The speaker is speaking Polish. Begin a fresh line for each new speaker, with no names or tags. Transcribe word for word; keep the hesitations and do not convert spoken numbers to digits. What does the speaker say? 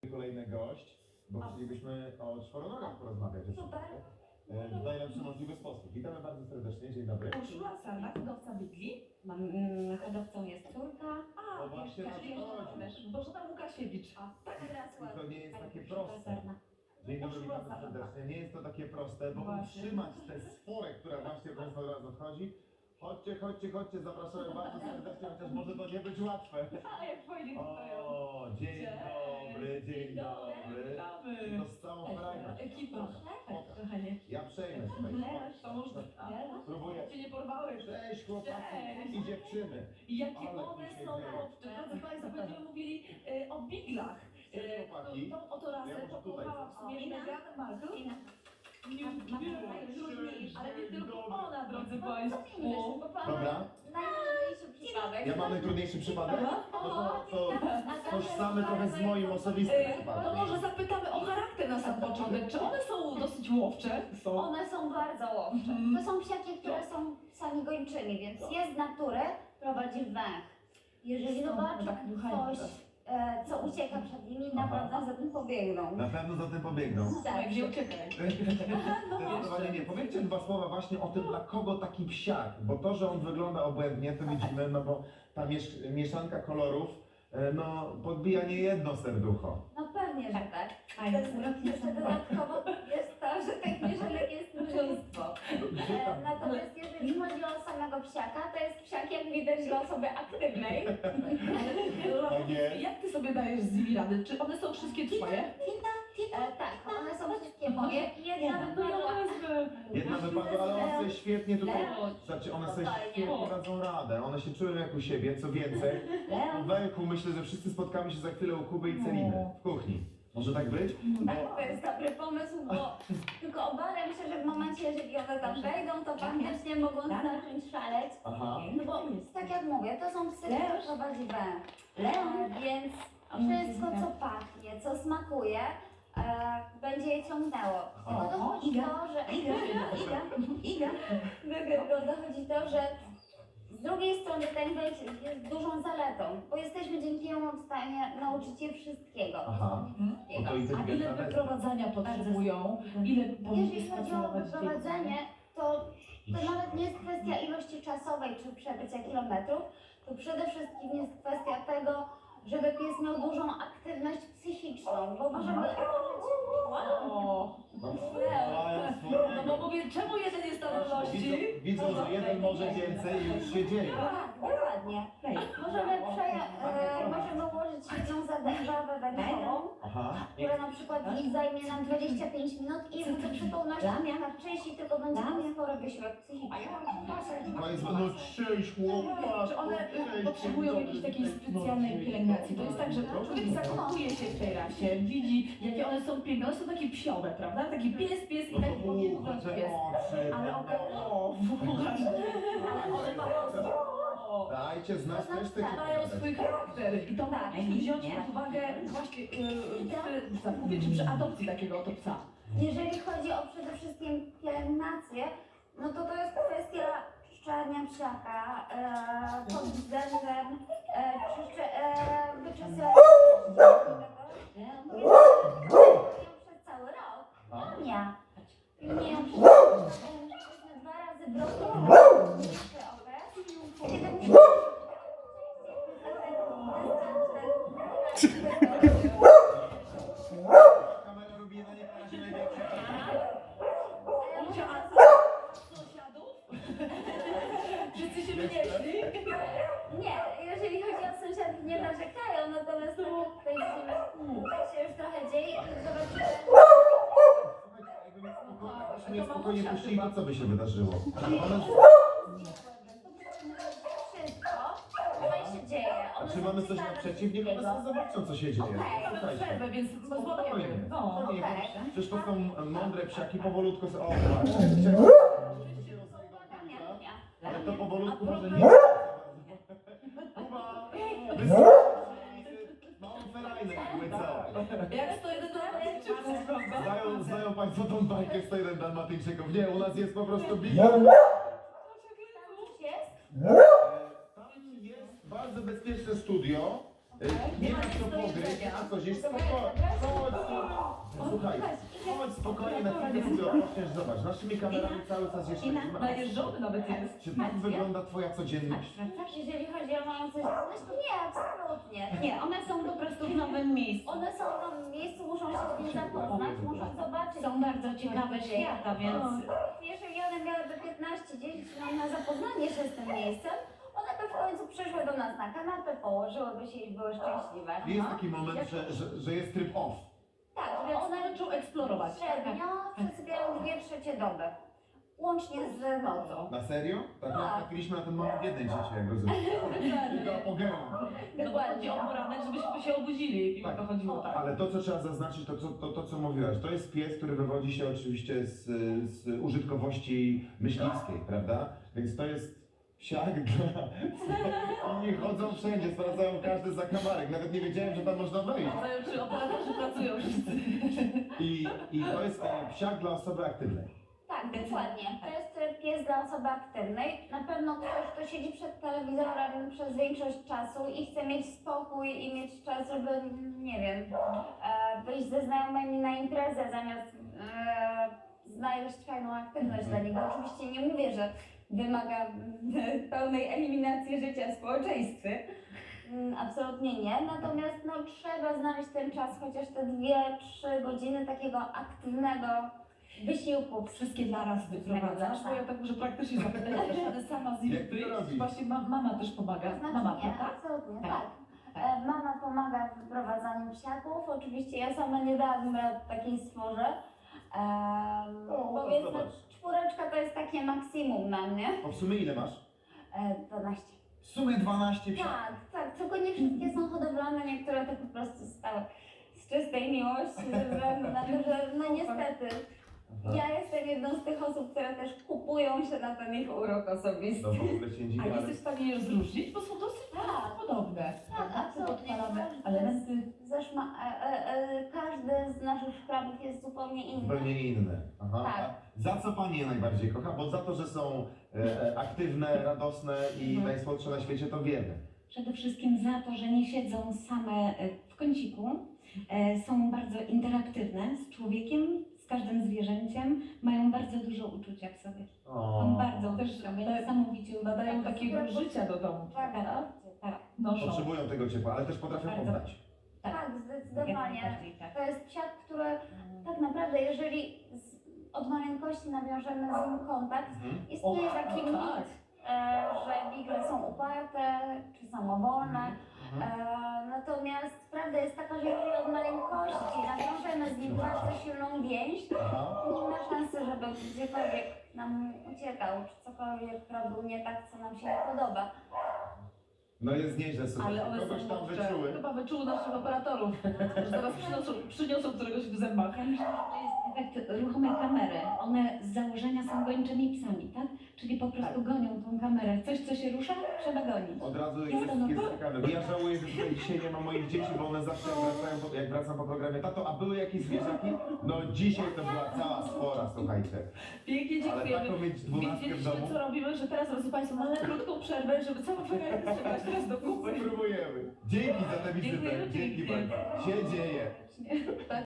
kolejny gość, bo chcielibyśmy o czworonogach porozmawiać.
Super.
W najlepszy możliwy sposób. Witamy bardzo serdecznie, dzień dobry.
Urszula Sarna, hodowca bydli.
Mam, mm, hodowcą jest córka.
A,
O, właśnie
wiesz,
na
Kasiewicz,
to chodzi.
wiesz, Bożena Łukasiewicz. A, tak teraz
I to
ładnie.
nie jest takie
Pani
proste.
Sarna.
Dzień dobry, witamy serdecznie. Nie jest to takie proste, bo
Właśnie.
utrzymać tę sforę, która właśnie Państwa od razu odchodzi. Chodźcie, chodźcie, chodźcie, zapraszamy bardzo serdecznie, chociaż może to nie być łatwe.
A, jak fajnie tutaj.
O, dzień dobry, dzień dobry.
Witamy.
To z całą frajdą.
Ekipa.
Spoko.
Kochanie.
Ja przejmę tutaj.
To można.
Spróbuję.
Cię nie porwałem.
Cześć chłopaki
Cześć.
i dziewczyny.
I jakie
Ale
one
dzisiaj
są
dzieje.
łowcze. Drodzy Państwo, będziemy mówili e, o biglach.
Cześć,
E,
chłopaki.
Tą, tą oto rasę
Ja może tutaj
pokochała w sumie
Ina.
Meghan Markle.
Ina.
Nie,
Ma- ma-
nie,
ma-
ale nie tylko
Dobry.
ona, drodzy
No,
Państwo.
co ty mówisz? Bo pan
Dobra.
ma najtrudniejszy przypadek.
Ja mam najtrudniejszy przypadek? No to, to
A
tożsamy trochę z moim osobistym
E, No
przypadkiem.
może zapytamy o charakter na sam początek. Czy one są dosyć łowcze? Są.
One są bardzo łowcze.
Mhm.
To są psiaki, które są psami gończymi, więc je z natury prowadzi węch. Jeżeli
Stąd
zobaczą
tak dmuchają
coś,
teraz.
e, co ucieka przed nimi,
Aha.
naprawdę za tym pobiegną.
Na pewno za tym pobiegną.
Tak.
Gdzie uciekaj?
Zdecydowanie nie. Powiedzcie dwa słowa właśnie o tym, dla kogo taki psiak, bo to, że on wygląda obłędnie, to widzimy, no bo ta miesz mieszanka kolorów, e, no podbija nie jedno serducho.
No pewnie, że tak.
A,
Też jeszcze dodatkowo jest to, że tych mieszanek jest mnóstwo.
Gdzie
E,
tam?
Natomiast jeżeli chodzi o samego psiaka, to jest psiak, jak widać, dla osoby aktywnej.
Tak jest.
Jak ty sobie dajesz z nimi rady? Czy one są wszystkie twoje?
E, tak, one są wszystkie moje. Jedna wypadła.
Jedna wypadła, ale one sobie świetnie tutaj,
Leo.
znaczy one sobie
Totalnie.
świetnie dadzą radę, one się czują jak u siebie, co więcej. Po Welku myślę, że wszyscy spotkamy się za chwilę u Kuby i Celiny w kuchni. Może tak być?
Tak, to jest dobry pomysł, bo tylko obawiam się, że w momencie, jeżeli one tam wejdą, to faktycznie mogą zacząć szaleć.
Aha.
No bo tak jak mówię, to są psy, które prowadzi węch.
Leon.
E, więc wszystko, co pachnie, co smakuje, e, będzie je ciągnęło.
Aha.
No dochodzi to, że...
Iga, Iga, Iga.
Do tego dochodzi to, że z drugiej strony ten węch jest dużą zaletą, bo jesteśmy dzięki niemu w stanie nauczyć je wszystkiego.
Aha. No to
A ile
inteligentna bestia.
wyprowadzania potrzebują? Ile powinni
Jeżeli chodzi o
spacerować
wyprowadzenie, to, to nawet nie jest kwestia ilości czasowej czy przebycia kilometrów, to przede wszystkim jest kwestia tego, żeby pies miał dużą aktywność psychiczną, bo możemy
O,
No,
no bo mówię, czemu jeden jest na wolności?
Widzą, widzą, że jeden może więcej i już się dzieje.
Tak, dokładnie. Możemy, przeja- e, możemy ułożyć jedną zabawę węchową,
Aha.
która na przykład zajmie nam dwadzieścia pięć minut i w zupełności na części tylko będzie miał spory wysiłek psychiczny.
To jest no cześć chłopak.
Czy one y, potrzebują jakiejś takiej specjalnej pielęgnacji? To jest tak, że człowiek zakochuje się w tej rasie, widzi jakie one są piękne, one są takie psiowe, prawda? Taki pies, pies i taki powinien być pies. Ale one, o, ale one mają, o,
Dajcie znać też tych.
mają swój charakter i to
Tak.
musimy wziąć pod uwagę właśnie y, przy zakupie czy przy adopcji takiego oto psa.
Jeżeli chodzi o przede wszystkim pielęgnację, no to to jest kwestia czyszczenia psiaka e, pod względem e, czyszcze, e, wyczesania przez cały rok.
A?
Nie. Nie, przez dwa razy w roku. Jeszcze okres. Kiedy muszę-
Kamera robi na nie razie największy.
A co? Sąsiadów? Wszyscy się wynieśli?
Nie, jeżeli chodzi o sąsiadów, nie narzekają, natomiast tak jak tutaj widzimy, tak się już trochę dzieje i zobaczymy.
Jakby mnie spokojnie puścili, to co by się wydarzyło? One,
Wszystko, co się dzieje.
a
One
czy
są
mamy coś
czytane
naprzeciw? Niech one sobie zobaczą, co się dzieje.
Okej.
Mamy
Słuchajcie.
przerwę, więc
Spokojnie.
pozwolimy. No.
Spokojnie.
Okej.
Przecież to są mądre psiaki, powolutku sobie... O, właśnie. Ale to powolutku może nie... Kuba! Małą ferajnę jakby co?
Jak sto jeden dalmatyńczyków, prawda?
Znają, znają Państwo tą bajkę sto jeden dalmatyńczyków? Nie, u nas jest po prostu big.
Tam coś jest?
Tam jest bardzo bezpieczne studio. Y, Nie ma co pogryźć, nie ma co zjeść, spoko- chodź tu. Słuchaj, chodź spokojnie, na chwilę sobie odpoczniesz, zobacz, naszymi kamerami cały czas jeszcze
I na,
jest.
najeżdżony nawet jest.
Czy tak wygląda twoja codzienność?
Jeżeli chodzi o moją codzienność, to nie, absolutnie.
Nie, one są po prostu w nowym miejscu.
One są w nowym miejscu, muszą się z tym zapoznać, muszą zobaczyć.
Są bardzo ciekawe świata, więc
Jeżeli one miałyby piętnaście dziesięć minut na zapoznanie się z tym miejscem, one by w końcu przyszły do nas na kanapę, położyłyby się i były szczęśliwe.
Jest taki moment, że, że, że jest tryb off.
Tak, więc
One zaczną eksplorować.
średnio przesypiają dwie trzecie doby. Łącznie z nocą.
Na serio? Tak,
Tak.
trafiliśmy na ten moment w jednej dziecię, jak rozumiem. Tylko apogeum.
No bo chodzi o poranek, żebyśmy się obudzili i o to chodziło, tak.
Ale to, co trzeba zaznaczyć, to, co- to, to co mówiłaś, to jest pies, który wywodzi się oczywiście z, z użytkowości myśliwskiej, prawda? Więc to jest psiak dla... Oni chodzą wszędzie, sprawdzają każdy zakamarek, nawet nie wiedziałem, że tam można wejść.
Zdają, czy operatorzy pracują wszyscy.
I, i to jest e, psiak dla osoby aktywnej.
Tak, dokładnie. To jest e, pies dla osoby aktywnej. Na pewno ktoś, kto siedzi przed telewizorem przez większość czasu i chce mieć spokój i mieć czas, żeby, nie wiem, e, wyjść ze znajomymi na imprezę zamiast e, znaleźć fajną aktywność dla niego. Oczywiście nie mówię, że wymaga mm, pełnej eliminacji życia w społeczeństwie. Mm, Absolutnie nie, natomiast no, trzeba znaleźć ten czas, chociaż te dwie, trzy godziny takiego aktywnego wysiłku.
Wszystkie dla raz wyprowadzasz, bo ja tak muszę praktycznie zapytać, ale sama z nimi
Jak ty to
wyjść.
robisz?
Właśnie ma, mama też pomaga.
To znaczy
Mama,
nie,
prawda?
absolutnie,
Tak.
tak. E, Mama pomaga w wyprowadzaniu psiaków. Oczywiście ja sama nie dałabym rady takiej stworze. Um,
O,
bo więc no,
zobacz.
czwóreczka to jest takie maksimum na mnie.
A w sumie ile masz?
E, dwanaście.
W sumie dwanaście psiaków.
Tak, tak, tylko nie wszystkie są hodowlane, niektóre to po prostu stały z czystej miłości, ze względu na to, że no niestety ja jestem jedną z tych osób, które też kupują się na ten ich urok osobisty.
No w ogóle się dziwię,
A
ale...
jesteś w stanie je rozróżnić? Bo są dosyć
Tak.
podobne.
Tak, absolutnie.
Podpalane
Każdy
elementy.
Zeszma, e, e, e, każdy z naszych szkrabów jest zupełnie inny.
Zupełnie inne. Aha.
Tak.
A za co Pani je najbardziej kocha? Bo za to, że są e, e, aktywne, radosne i
Mhm.
najsłodsze na świecie, to wiemy.
przede wszystkim za to, że nie siedzą same e, w kąciku, e, są bardzo interaktywne z człowiekiem, z każdym zwierzęciem, mają bardzo dużo uczucia w sobie.
O.
Są bardzo
Też
uczuciowe,
te-
niesamowicie
Nadają takiego życia do domu.
Tak,
prawda?
tak,
Noszą.
Potrzebują tego ciepła, ale też potrafią
Bardzo.
oddać.
Tak.
tak,
Jak
zdecydowanie.
najbardziej, tak.
To jest psiak, który tak naprawdę, jeżeli z, od maleńkości nawiążemy z nim kontakt,
Mhm.
istnieje
O,
taki
tak.
mit, e, że wigle są uparte czy samowolne.
Mhm.
E, natomiast prawda jest taka, że jeżeli od maleńkości nawiążemy z nim bardzo silną więź,
Aha.
to nie ma szansy, żeby gdziekolwiek nam uciekał, czy cokolwiek robił nie tak, co nam się nie podoba.
No jest nieźle,
Ale
słuchajcie.
one
Kogoś
są
tam
mądrze.
wyczuły.
Chyba wyczuły naszych operatorów. Że zaraz przyniosą, przyniosą któregoś w zębach.
Ja myślę, że to jest efekt ruchomej kamery. One z założenia są gończymi psami, tak? Czyli po prostu gonią tą kamerę. Coś, co się rusza, trzeba gonić.
Od razu
Jest
jest,
to no
jest
to-
ciekawe. Ja żałuję, że tutaj dzisiaj nie ma moich dzieci, bo one zawsze jak, wracają, po- jak wracam po programie, tato, a były jakieś zwierzaki? No dzisiaj to była cała spora, słuchajcie.
Pięknie
Ale
dziękujemy.
taką mieć dwunastkę w
Widzieliśmy,
domu.
co robimy, że teraz, drodzy Państwo, mamy krótką przerwę, żeby całą przerwę przebrać teraz do kupy.
Spróbujemy. Dzięki za tę wizytę.
Dziękujemy
Dzięki
pięknie.
bardzo. Się dzieje.
Tak.